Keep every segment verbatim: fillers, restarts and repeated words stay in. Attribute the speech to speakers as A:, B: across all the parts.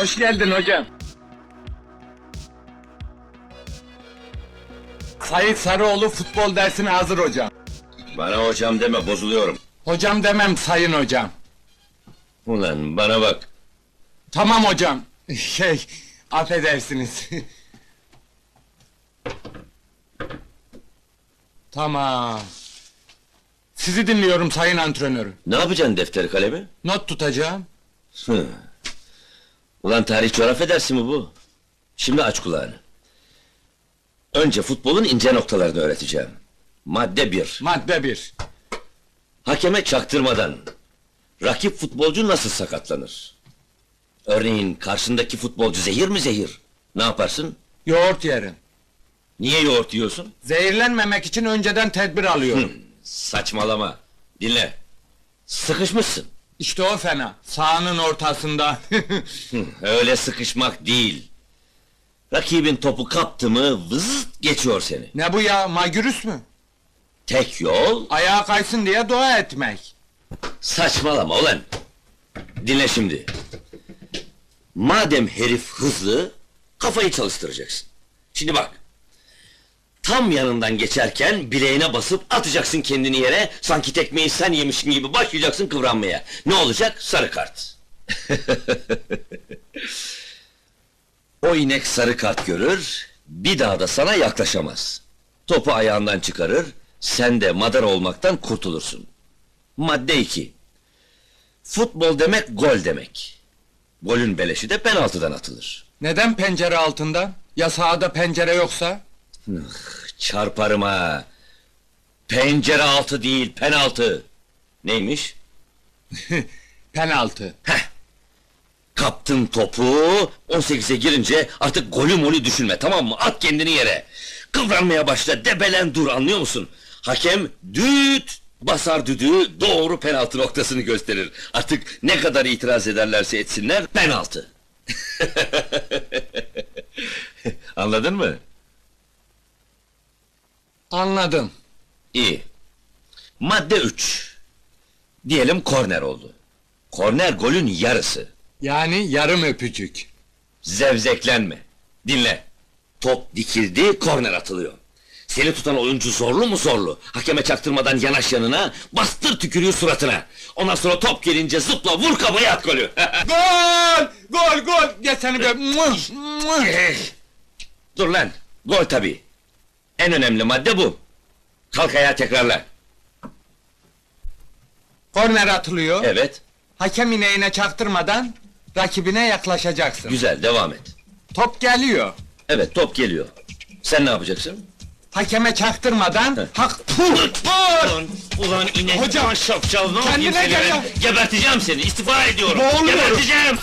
A: Hoş geldin hocam. Sait Sarıoğlu futbol dersine hazır hocam.
B: Bana hocam deme, bozuluyorum.
A: Hocam demem sayın hocam.
B: Ulan bana bak.
A: Tamam hocam. Şey, affedersiniz. Tamam. Sizi dinliyorum sayın antrenörüm.
B: Ne yapacaksın defteri kalemi?
A: Not tutacağım.
B: Hı. Ulan tarih coğrafya dersi mi bu? Şimdi aç kulağını. Önce futbolun ince noktalarını öğreteceğim. Madde bir.
A: Madde bir.
B: Hakeme çaktırmadan rakip futbolcu nasıl sakatlanır? Örneğin karşındaki futbolcu zehir mi zehir? Ne yaparsın?
A: Yoğurt yerim.
B: Niye yoğurt yiyorsun?
A: Zehirlenmemek için önceden tedbir alıyorum.
B: Saçmalama. Dinle. Sıkışmışsın.
A: İşte o fena. Sahanın ortasında.
B: Hı, öyle sıkışmak değil. Rakibin topu kaptı mı vızıt geçiyor seni.
A: Ne bu ya, magürüs mü?
B: Tek yol
A: Ayağa kaysın diye dua etmek.
B: saçmalama ulan. Dinle şimdi. Madem herif hızlı, kafayı çalıştıracaksın. Şimdi bak. Tam yanından geçerken bileğine basıp atacaksın kendini yere, sanki tekmeyi sen yemişsin gibi başlayacaksın kıvranmaya. Ne olacak? Sarı kart. O inek sarı kart görür, bir daha da sana yaklaşamaz. Topu ayağından çıkarır, sen de madar olmaktan kurtulursun. Madde iki. Futbol demek gol demek. Golün beleşi de penaltıdan atılır.
A: Neden pencere altında? Ya sahada pencere yoksa?
B: Çarparım ha! Pencere altı değil, penaltı! Neymiş?
A: Penaltı.
B: Heh! Kaptın topu, on sekize girince artık golü molü düşünme, tamam mı? At kendini yere! Kıvranmaya başla, debelen dur, anlıyor musun? Hakem düt basar düdüğü, doğru penaltı noktasını gösterir. Artık ne kadar itiraz ederlerse etsinler, penaltı! Anladın mı?
A: Anladım.
B: İyi. Madde üç. Diyelim korner oldu. Korner golün yarısı.
A: Yani yarım öpücük.
B: Zevzeklenme. Dinle. Top dikildi, korner atılıyor. Seni tutan oyuncu zorlu mu zorlu? Hakeme çaktırmadan yanaş yanına, bastır tükürüğü suratına. Ondan sonra top gelince zıpla, vur kafaya at golü.
A: Gol! Gol, gol! Gel seni be! Mıh, mıh!
B: Dur lan, gol tabii. En önemli madde bu. Kalk ayağa tekrarla.
A: Korner atılıyor.
B: Evet,
A: Hakem ineğine çaktırmadan rakibine yaklaşacaksın.
B: güzel, devam et.
A: Top geliyor.
B: Evet, top geliyor. Sen ne yapacaksın?
A: Hakeme çaktırmadan
B: Heh.
A: hak puh! Vur!
B: Ulan, ulan inek
A: Hocam,
B: ulan şapşal, ne yapayım
A: kendine
B: seni
A: gel
B: ben?
A: ya!
B: Geberteceğim seni, istifa ediyorum!
A: Boğuluyorum.
B: Geberteceğim!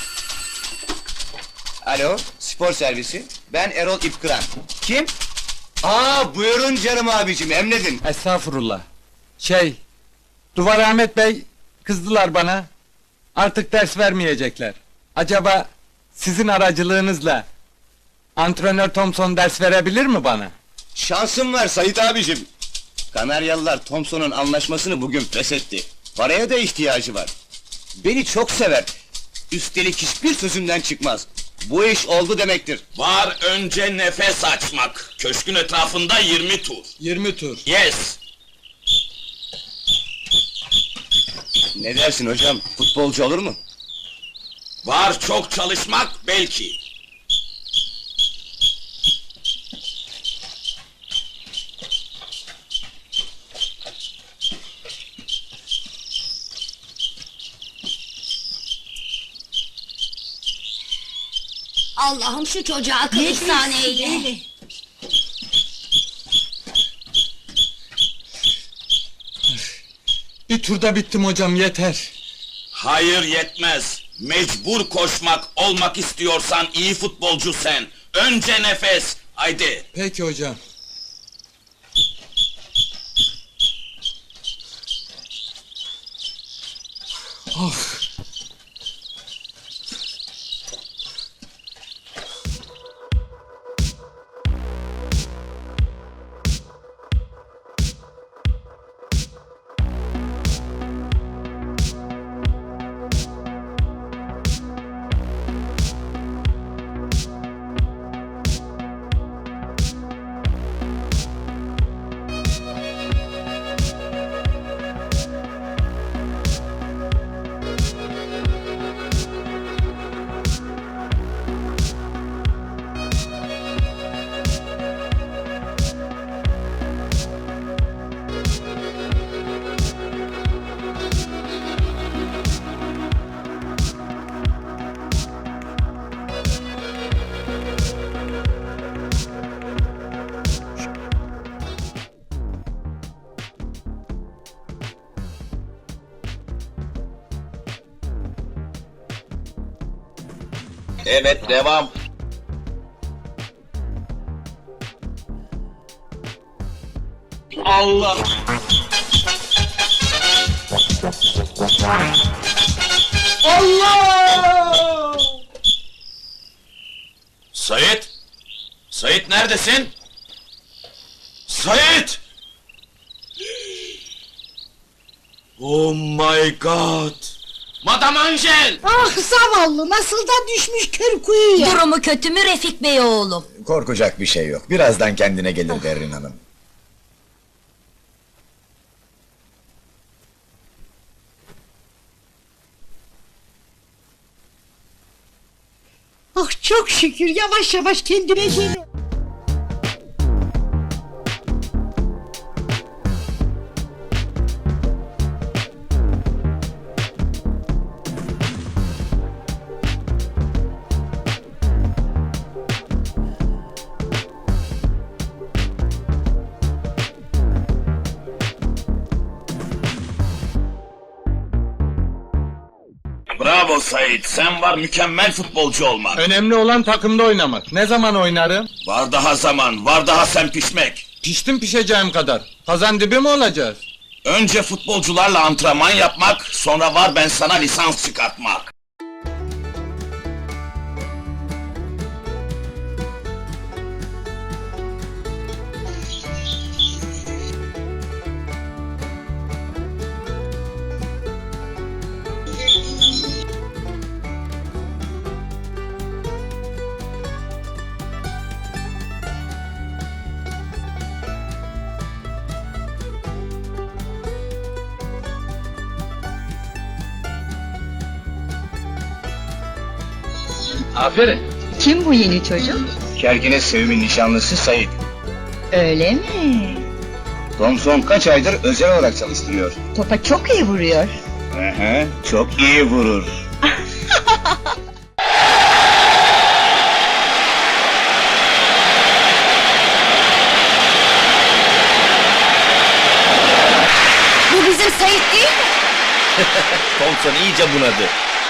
C: Alo, spor servisi. Ben Erol İpkıran. Kim? Aa, buyurun canım abicim, emredin.
A: Estağfurullah. Şey, Duvar Ahmet Bey kızdılar bana. Artık ders vermeyecekler. Acaba sizin aracılığınızla antrenör Thompson ders verebilir mi bana?
C: Şansım var Sait abicim. Kanaryalılar Thompson'un anlaşmasını bugün feshetti. Paraya da ihtiyacı var. Beni çok sever. Üstelik hiçbir sözümden çıkmaz. Bu iş oldu demektir.
D: Var önce nefes açmak. Köşkün etrafında yirmi tur.
A: yirmi tur.
D: Yes.
C: Ne dersin hocam, futbolcu olur mu?
D: Var çok çalışmak belki.
E: Allah'ım şu çocuğa akıl ihsan eyle.
A: Bir turda bittim hocam, yeter.
D: Hayır yetmez. Mecbur koşmak olmak istiyorsan iyi futbolcu sen. Önce nefes. Haydi.
A: Peki hocam. Ah!
D: Evet, devam. Allah! Allah! Sait! Sait neredesin? Sait! Oh my god! Madame Angel!
F: Ah zavallı, nasıl da düşmüş kör kuyuya.
E: Durumu kötü mü Refik Bey oğlum?
G: Korkacak bir şey yok. Birazdan kendine gelir Berrin Hanım.
F: Ah çok şükür, yavaş yavaş kendine geliyor.
D: Bravo Sait, sen var mükemmel futbolcu olmak.
A: Önemli olan takımda oynamak. Ne zaman oynarım?
D: Var daha zaman, var daha sen pişmek.
A: Piştim pişeceğim kadar. Kazan dibi mi olacağız?
D: Önce futbolcularla antrenman yapmak, sonra var ben sana lisans çıkartmak.
A: Aferin.
H: Kim bu yeni çocuk?
C: Kerkine Sevim'in nişanlısı Sait.
H: Öyle mi?
C: Thompson kaç aydır özel olarak çalıştırıyor.
H: Topa çok iyi vuruyor.
C: Hı hı, çok iyi vurur.
E: Bu bizim Sait değil mi?
B: Thompson iyice bunadı.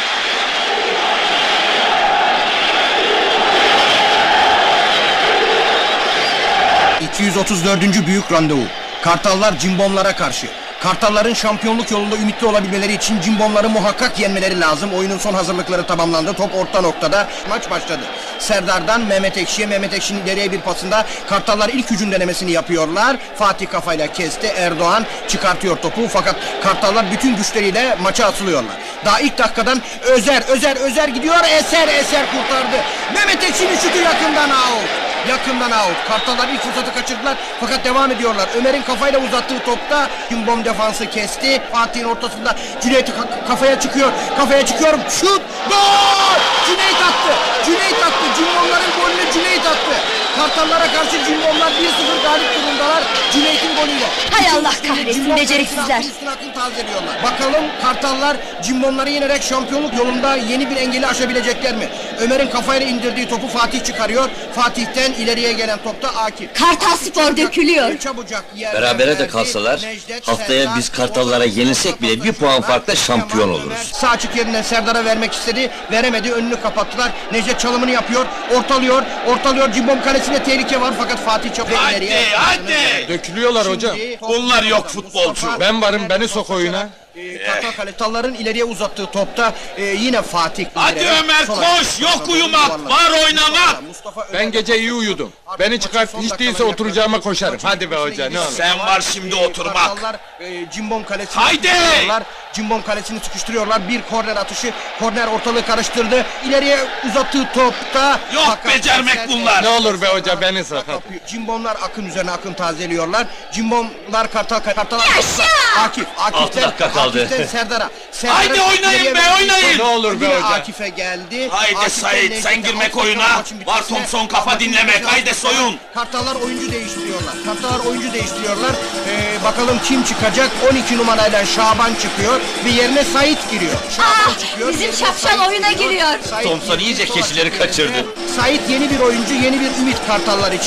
I: iki yüz otuz dördüncü büyük randevu. Kartallar Cimbomlara karşı. Kartalların şampiyonluk yolunda ümitli olabilmeleri için Cimbomları muhakkak yenmeleri lazım. Oyunun son hazırlıkları tamamlandı. Top orta noktada. Maç başladı. Serdar'dan Mehmet Ekşi'ye. Mehmet Ekşi'nin ileriye bir pasında Kartallar ilk hücum denemesini yapıyorlar. Fatih kafayla kesti. Erdoğan çıkartıyor topu. Fakat Kartallar bütün güçleriyle maça atılıyorlar. Daha ilk dakikadan Özer, Özer, Özer gidiyor. Eser, Eser kurtardı. Mehmet Ekşi'nin şutu yakından out. Yakından out. Kartallar ilk fırsatı kaçırdılar fakat devam ediyorlar. Ömer'in kafayla uzattığı topta Cimbom defansı kesti. Fatih'in ortasında Cüneyt ka- kafaya çıkıyor. Kafaya çıkıyor. Şut! Gol! Cüneyt attı. Cüneyt attı. Cimbomların golünü Cüneyt attı. Kartallara karşı Cimbomlar bir sıfır galip durumdalar. Cüneyt'in golüyle.
E: Hay Allah kahretsin,
I: Cimbom
E: beceriksizler.
I: kalesinin üstüne akın tazeliyorlar. Bakalım Kartallar Cimbomları yenerek şampiyonluk yolunda yeni bir engeli aşabilecekler mi? Ömer'in kafayla indirdiği topu Fatih çıkarıyor. Fatih'ten ileriye gelen topta Akif.
E: Kartal Spor dökülüyor.
I: Çabucak yerden
B: Berabere de
I: verdi.
B: kalsalar,
I: Necdet,
B: haftaya
I: Serdar,
B: biz Kartallara
I: orta-
B: yenilsek bile bir puan farkla şampiyon
I: Kemal
B: oluruz.
I: Ömer Sağ açık yerinden Serdar'a vermek istedi. Veremedi. Önünü kapattılar. Necdet çalımını yapıyor. Ortalıyor. Ortalıyor. Cimbom kalesinde tehlike var fakat Fatih çok
D: Hadi,
I: ileriye.
D: hadi!
A: Dökülüyorlar hocam.
I: Şimdi top-
D: Bunlar yok futbolcu.
A: Ben varım, beni sok oyuna.
I: Ee, Kartal Kartalların ileriye uzattığı topta e, yine Fatih.
D: Hadi
I: ileri.
D: Ömer,
I: Sol
D: koş!
I: ayak.
D: Yok uyumak, var oynamak!
I: Mustafa Ömer-
A: Ben gece iyi uyudum. Beni çıkart, hiç değilse oturacağıma koşarım. Hadi be hoca, ne olur.
D: Sen var şimdi
I: Ee,
D: oturmak.
I: Kartallar e, Cimbom kalesini
D: Haydi!
I: sıkıştırıyorlar. Cimbom kalesini sıkıştırıyorlar. Bir korner atışı. Korner ortalığı karıştırdı. İleriye uzattığı topta.
D: Yok
I: fakat
D: becermek
I: Eser-
D: bunlar.
A: Ne olur be hoca, beni sakat.
I: Cimbomlar akın üzerine akın tazeliyorlar. Cimbomlar Kartal Kartallar. Akif, Akif'ten,
B: Altı dakika kaldı.
I: Akif'ten Serdar'a. Serdar'ın
D: Haydi oynayın
I: ileriye
D: be,
I: verdiği
D: oynayın!
I: top
A: Ne olur be
I: yine
A: hoca.
I: Akif'e geldi.
D: Haydi
I: Akif'ten
D: Sait,
I: Necdet'e,
D: sen girmek
I: Akif'ten
D: oyuna.
I: maçın
D: Var
I: bitmesine,
D: Thompson kafa
I: maçın
D: dinlemek,
I: bitmesine
D: haydi
I: altı dakika
D: soyun.
I: var. Kartallar oyuncu değiştiriyorlar. Kartallar oyuncu değiştiriyorlar. Ee, bakalım kim çıkacak? on iki numarayla Şaban çıkıyor ve yerine Sait giriyor. Şaban
E: Ah,
I: çıkıyor.
E: bizim
I: yerine
E: şapşal
I: Sait
E: oyuna giriyor.
I: Sait
B: Thompson
I: girdi,
B: iyice
I: sol
B: keçileri
I: açık yerine.
B: kaçırdı.
I: Sait yeni bir oyuncu, yeni bir ümit Kartallar için.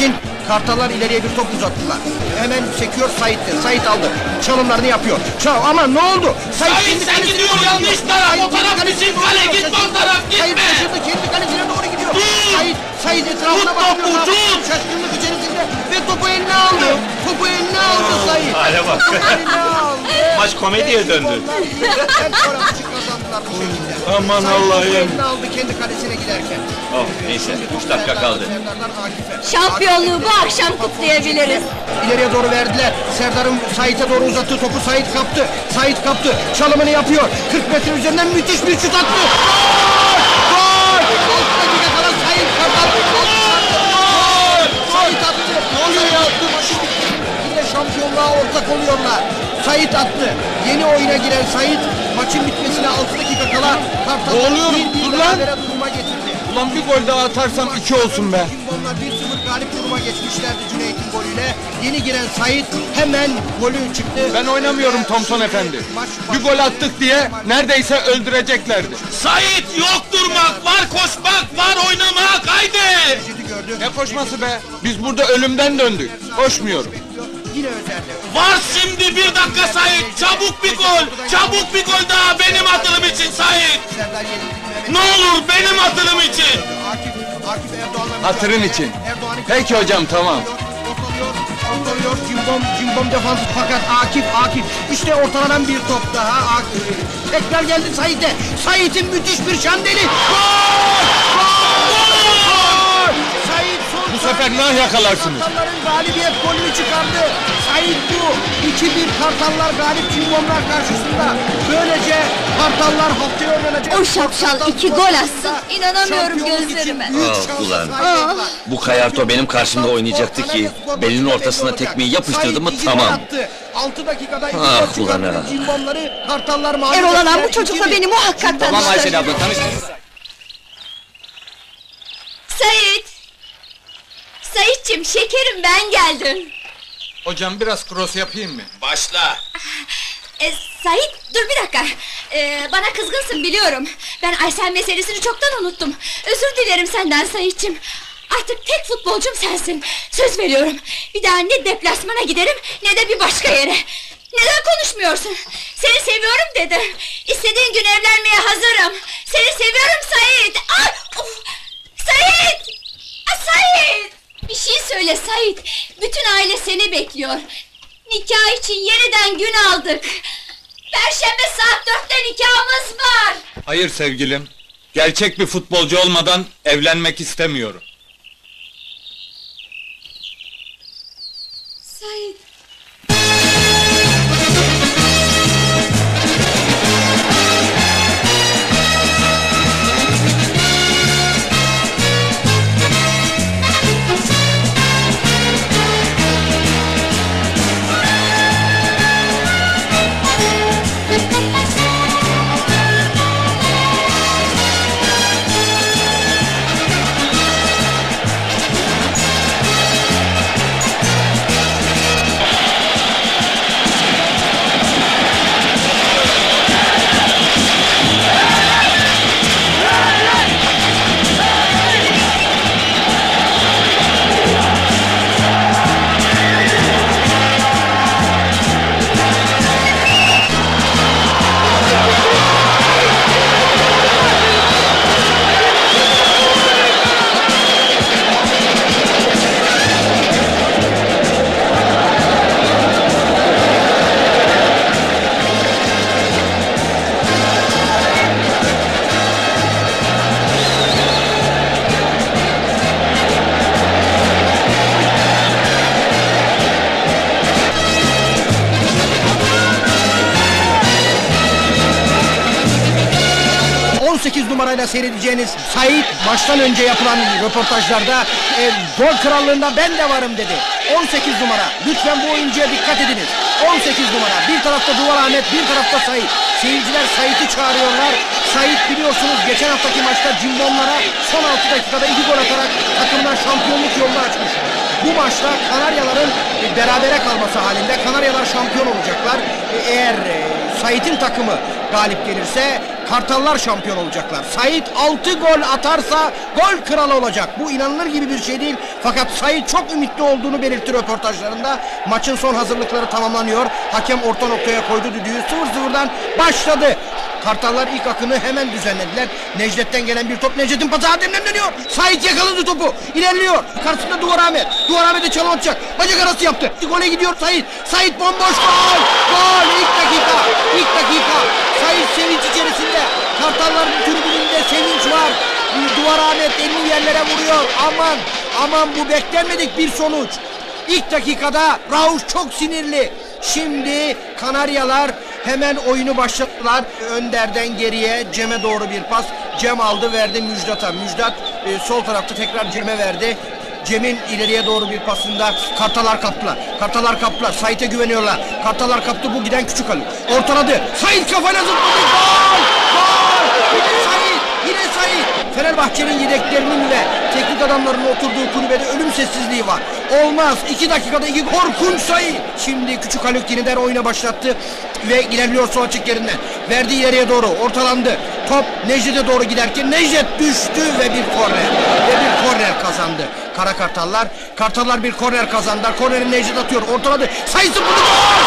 I: Kartallar ileriye bir top uzattılar. Hemen sekiyor Sait'te. Sait aldı. Çalımlarını yapıyor. Çal ama ne oldu?
D: Sait,
I: kendi
D: sen
I: kalesine
D: gidiyor,
I: doğru
D: yanlış
I: gidiyor.
D: taraf,
I: Sait
D: o taraf
I: kendi
D: bizim
I: kalesine
D: kale,
I: doğru
D: gitme o
I: şaşırdı.
D: taraf,
I: Sait
D: gitme.
I: şaşırdı, kendi kalesine doğru gidiyor.
D: Dur!
I: Sait, Sait etrafına
D: Tut
I: bakıyor.
D: topu, tut!
I: Şaşkınlık içerisinde ve topu eline aldı. Topu eline aldı Sait.
D: hale bak.
I: Topu eline aldı.
D: Maç komediye
I: Ve
D: döndü.
I: onlar birden sonra maçı kazandılar bu şekilde.
D: Aman
I: Sait
D: Allah'ım.
I: topu eline aldı kendi kalesine giderken.
D: Oh, neyse, üç dakika kaldı.
I: Serdar'dan Akif'e.
E: Şampiyonluğu bu
I: Akif-
E: akşam kutlayabiliriz.
I: İleriye doğru verdiler. Serdar'ın Sait'e doğru uzattığı topu Sait kaptı. Sait kaptı. Çalımını yapıyor. kırk metre üzerinden müthiş bir şut attı. Gol! Gol! altı dakika kala Sait Kartal. Gol! Sait attı. Ne oluyor ya? Maçı bitti. Yine şampiyonluğa ortak oluyorlar. Sait attı. Yeni oyuna giren Sait maçın bitmesine altı dakika kala Kartal'ı
A: Ne oluyor?
I: bir bir
A: Dur lan!
I: berabere duruma getirdi.
A: Ulan bir gol daha atarsam iki olsun be.
I: Cimbomlar bir sıfır galip duruma geçmişlerdi Cüneyt'in golüyle. Yeni giren Sait hemen golü çıktı.
A: Ben oynamıyorum Thompson efendi. Bir gol attık diye neredeyse öldüreceklerdi.
D: Sait, yok durmak, var koşmak, var oynamak, haydi.
I: Gördü.
A: Ne koşması be? Biz burada ölümden döndük. Koşmuyorum.
I: Yine özelde.
D: Var şimdi bir dakika Sait, çabuk bir gol, çabuk bir gol daha benim atılım için Sait.
I: Serdar yenildi.
D: Ne olur benim atılım için.
I: Akif, Akif Erdoğan'la
A: Hatırın
I: mücadele.
A: için.
I: Erdoğan'ı
A: Peki hocam, tamam.
I: Ortalıyor, ortalıyor, Cimbom, Cimbom defansı fakat Akif, Akif. İşte ortalanan bir top daha Akif. Tekrar geldi Sait'e. Sait'in müthiş bir şandeli. Gol! Gol! Sait son
A: Bu sefer nah yakalarsınız.
I: Kartalların galibiyet golünü çıkardı. Sait bu. iki bir Kartallar galip Cimbomlar karşısında. Böylece Kartallar haftaya oynanacak.
E: O şapşal iki gol atsın, inanamıyorum
I: Şampiyonluk için
E: gözlerime.
I: büyük
B: Ah,
I: şansa
B: ulan.
I: sahip oldular.
B: Bu Kayarto benim karşımda oynayacaktı ki belinin ortasına tekmeyi yapıştırdı mı tamam.
I: altı dakikada iki
B: Ah,
I: gol çıkarttı.
B: ulan ha.
I: Cimbomları Kartallar mağlup
E: Erol Alan
I: ettiler.
E: bu çocukla
I: İki bir.
E: beni muhakkak tanıştır.
C: abla tanıştınız.
E: Sait! Saitçim şekerim ben geldim.
A: Hocam biraz cross yapayım mı?
D: Başla.
E: E, Sait dur bir dakika. E, bana kızgınsın biliyorum. Ben Aysel meselesini çoktan unuttum. Özür dilerim senden Saitçim. Artık tek futbolcum sensin. Söz veriyorum. Bir daha ne deplasmana giderim ne de bir başka yere. Neden konuşmuyorsun? Seni seviyorum dedim. İstediğin gün evlenmeye hazırım. Seni seviyorum Sait. Ay, of! Sait! Ah, Sait! Bir şey söyle Sait. Bütün aile seni bekliyor. Nikah için yeniden gün aldık. Perşembe saat dörtte nikahımız var.
A: Hayır sevgilim. Gerçek bir futbolcu olmadan evlenmek istemiyorum.
E: Sait.
I: on sekiz numarayla seyredeceğiniz Sait maçtan önce yapılan röportajlarda e, gol krallığında ben de varım dedi. on sekiz numara. Lütfen bu oyuncuya dikkat ediniz. on sekiz numara. Bir tarafta Duvar Ahmet, bir tarafta Sait. Seyirciler Sait'i çağırıyorlar. Sait biliyorsunuz geçen haftaki maçta Cimbomlara son altı dakikada iki gol atarak takımdan şampiyonluk yolunu açmış. Bu maçta Kanaryaların e, berabere kalması halinde Kanaryalar şampiyon olacaklar. E, eğer e, Sait'in takımı galip gelirse Kartallar şampiyon olacaklar. Sait altı gol atarsa gol kralı olacak. Bu inanılır gibi bir şey değil. Fakat Sait çok ümitli olduğunu belirtti röportajlarında. Maçın son hazırlıkları tamamlanıyor. Hakem orta noktaya koydu düdüğü. sıfır sıfırdan başladı. Kartallar ilk akını hemen düzenlediler. Necdet'ten gelen bir top. Necdet'in pası Adem'den dönüyor. Sait yakaladı topu. İlerliyor. Karşısında Duvar Ahmet. Duvar Ahmet'e çalım atacak. Bacak arası yaptı. Gole gidiyor Sait. Sait bomboş gol. Gol. İlk dakika. İlk dakika. Sait sevinç içerisinde. Kartalların tribününde sevinç var. Duvar Ahmet elini yerlere vuruyor. Aman. Aman bu beklenmedik bir sonuç. İlk dakikada Rauf çok sinirli. Şimdi Kanaryalar hemen oyunu başlattılar. Önder'den geriye Cem'e doğru bir pas. Cem aldı verdi Müjdat'a. Müjdat e, sol tarafta tekrar Cem'e verdi. Cem'in ileriye doğru bir pasında Kartalar kaptılar. Kartalar kaptılar. Sait'e güveniyorlar. Kartalar kaptı, bu giden Küçük Ali. Ortaladı. Sait kafayla zıpladı. Gol! Gol! Yine Sait! Yine Sait! Fenerbahçe'nin yedeklerinin ve teknik adamlarının oturduğu kulübede ölüm sessizliği var. Olmaz. iki dakikada iki korkunç Sait. Şimdi Küçük Haluk yeniden oyuna başlattı ve ilerliyor sol açık yerinden. Verdi ileriye doğru. Ortalandı. Top Necdet'e doğru giderken Necdet düştü ve bir korner. Ve bir korner kazandı. Kara Kartallar. Kartallar bir korner kazandılar. Korneri Necdet atıyor. Ortaladı. Sait zıpladı. Gol!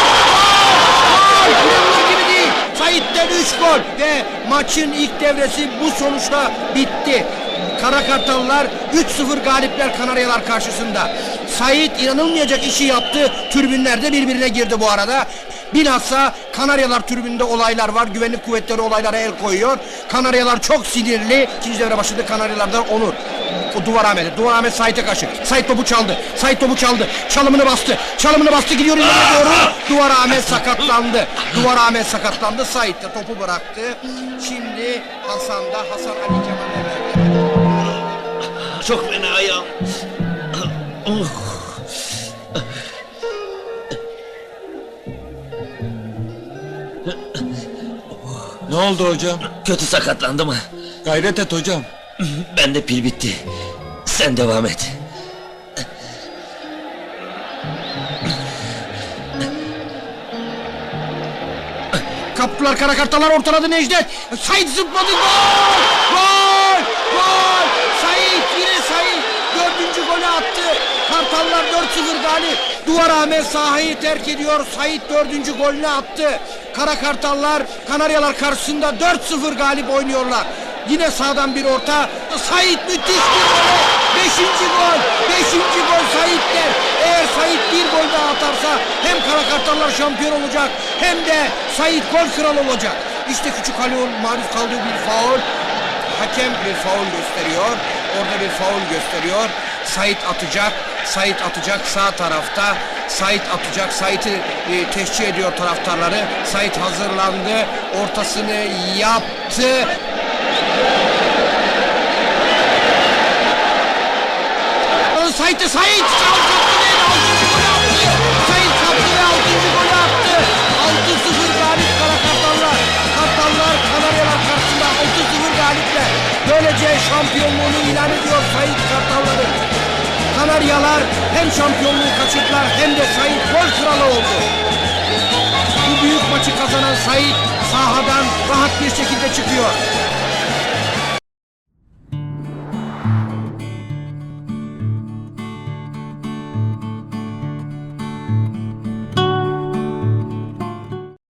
I: Gol! Gol! İnanılır gibi değil. Sait'ten üç gol ve maçın ilk devresi bu sonuçla bitti. Kara Kartallar üç sıfır galipler Kanaryalar karşısında. Sait inanılmayacak işi yaptı. Tribünlerde birbirine girdi bu arada. Bilhassa Kanaryalar tribünde olaylar var. Güvenlik kuvvetleri olaylara el koyuyor. Kanaryalar çok sinirli. İkinci devre başladı. Kanaryalardan Onur. O Duvar Ahmet'e. Duvar Ahmet Sait'e karşı. Sait topu çaldı. Sait topu çaldı. Çalımını bastı. Çalımını bastı. Gidiyor ileriye doğru. Duvar Ahmet sakatlandı. Duvar Ahmet sakatlandı. Sait de topu bıraktı. Şimdi Hasan'da. Hasan Ali Kemal'e verdi.
B: Çok fena ayağım. Oh.
A: Ne oldu hocam?
B: Kötü sakatlandım.
A: Gayret et hocam.
B: Bende pil bitti. Sen devam et.
I: Kaptılar Kara Kartallar, ortaladı Necdet. Sait zıpladı. Gol! Gol! Gol! Sait, yine Sait. Dördüncü golü attı. Kartallar dört sıfır galip. Duvar Ahmet sahayı terk ediyor. Sait dördüncü golünü attı. Kara Kartallar Kanaryalar karşısında dört sıfır galip oynuyorlar. Yine sağdan bir orta. Sait müthiş bir gol. Beşinci gol. Beşinci gol Sait'ten. Eğer Sait bir gol daha atarsa hem Kara Kartallar şampiyon olacak hem de Sait gol kralı olacak. İşte Küçük Haluk'un maruz kaldığı bir faul. Hakem bir faul gösteriyor. Orada bir faul gösteriyor. Sait atacak. Sait atacak sağ tarafta. Sait atacak. Sait'i e, teşcih ediyor taraftarları. Sait hazırlandı. Ortasını yaptı. Sait'e Sait kaptı ve altıncı golü attı. Sait kaptı ve altıncı golü attı. altı sıfır galip Kara Kartallar. Kartallar Kanaryalar karşısında altı sıfır galipler. Böylece şampiyonluğunu ilan ediyor Sait Kartalları. Kanaryalar hem şampiyonluğu kaçırdılar hem de Sait gol kralı oldu. Bu büyük maçı kazanan Sait sahadan rahat bir şekilde çıkıyor.